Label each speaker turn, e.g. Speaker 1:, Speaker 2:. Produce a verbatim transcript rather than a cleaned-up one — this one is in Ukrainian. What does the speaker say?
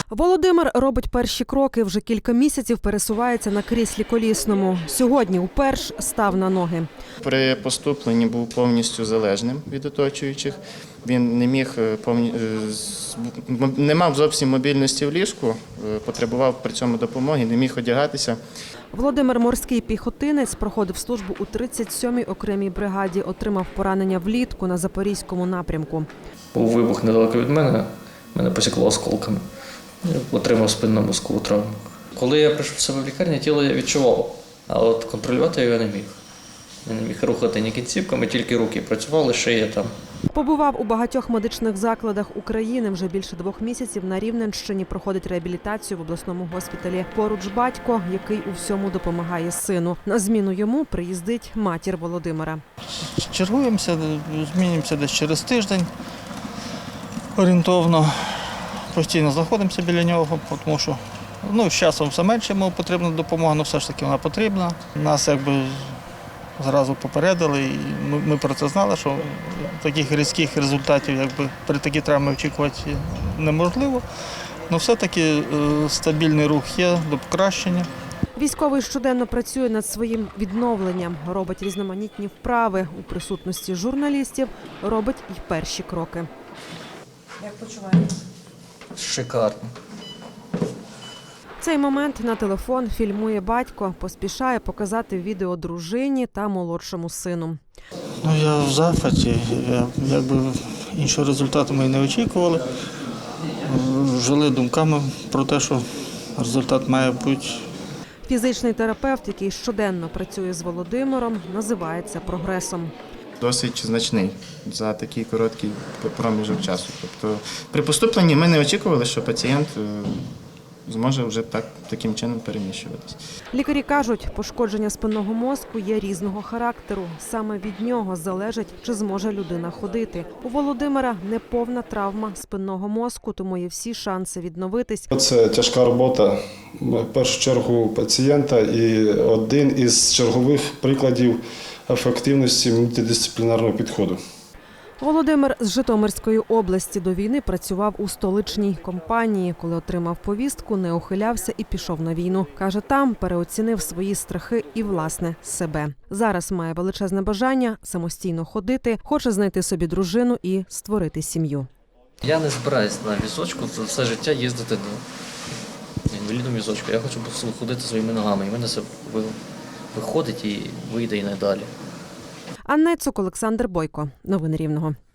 Speaker 1: Володимир робить перші кроки, вже кілька місяців пересувається на кріслі колісному. Сьогодні уперше став на ноги.
Speaker 2: При поступленні був повністю залежним від оточуючих. Він не міг повні... не мав зовсім мобільності в ліжку, потребував при цьому допомоги, не міг одягатися.
Speaker 1: Володимир – морський піхотинець, проходив службу у тридцять сьомій окремій бригаді, отримав поранення влітку на Запорізькому напрямку.
Speaker 3: Був вибух недалеко від мене, мене посікло осколками. Я отримав спинно-мозкову травму. Коли я прийшов в себе в лікарню, тіло я відчував, а от контролювати його не міг. Я не міг рухати ні кінцівками, тільки руки працювали, шия там.
Speaker 1: Побував у багатьох медичних закладах України. Вже більше двох місяців на Рівненщині проходить реабілітацію в обласному госпіталі. Поруч батько, який у всьому допомагає сину. На зміну йому приїздить матір Володимира.
Speaker 4: Чергуємося, змінюємося десь через тиждень орієнтовно. Постійно знаходимося біля нього, тому що ну, з часом все менше йому потрібна допомога, але все ж таки вона потрібна. Нас якби зразу попередили, і ми, ми про це знали, що таких різких результатів якби, при такій травмі очікувати неможливо. Але все-таки стабільний рух є до покращення.
Speaker 1: Військовий щоденно працює над своїм відновленням, робить різноманітні вправи. У присутності журналістів робить і перші кроки.
Speaker 5: Як почуваєтесь?
Speaker 3: Шикарно.
Speaker 1: В цей момент на телефон фільмує батько, поспішає показати відео дружині та молодшому сину.
Speaker 4: Ну, я в захваті, я, якби іншого результату ми не очікували. Жили думками про те, що результат має бути.
Speaker 1: Фізичний терапевт, який щоденно працює з Володимиром, називається прогресом.
Speaker 2: Досить значний за такий короткий проміжок часу. Тобто при поступленні ми не очікували, що пацієнт зможе вже так, таким чином переміщуватися.
Speaker 1: Лікарі кажуть, пошкодження спинного мозку є різного характеру. Саме від нього залежить, чи зможе людина ходити. У Володимира неповна травма спинного мозку, тому є всі шанси відновитись.
Speaker 6: Це тяжка робота, в першу чергу, пацієнта і один із чергових прикладів ефективності мультидисциплінарного підходу.
Speaker 1: Володимир з Житомирської області до війни працював у столичній компанії. Коли отримав повістку, не ухилявся і пішов на війну. Каже, там переоцінив свої страхи і, власне, себе. Зараз має величезне бажання самостійно ходити, хоче знайти собі дружину і створити сім'ю.
Speaker 3: Я не збираюсь на візочку все життя їздити на інвалідному візочку. Я хочу ходити своїми ногами, і в мене це виходить і вийде і надалі.
Speaker 1: Анна Цук, Олександр Бойко. Новини Рівного.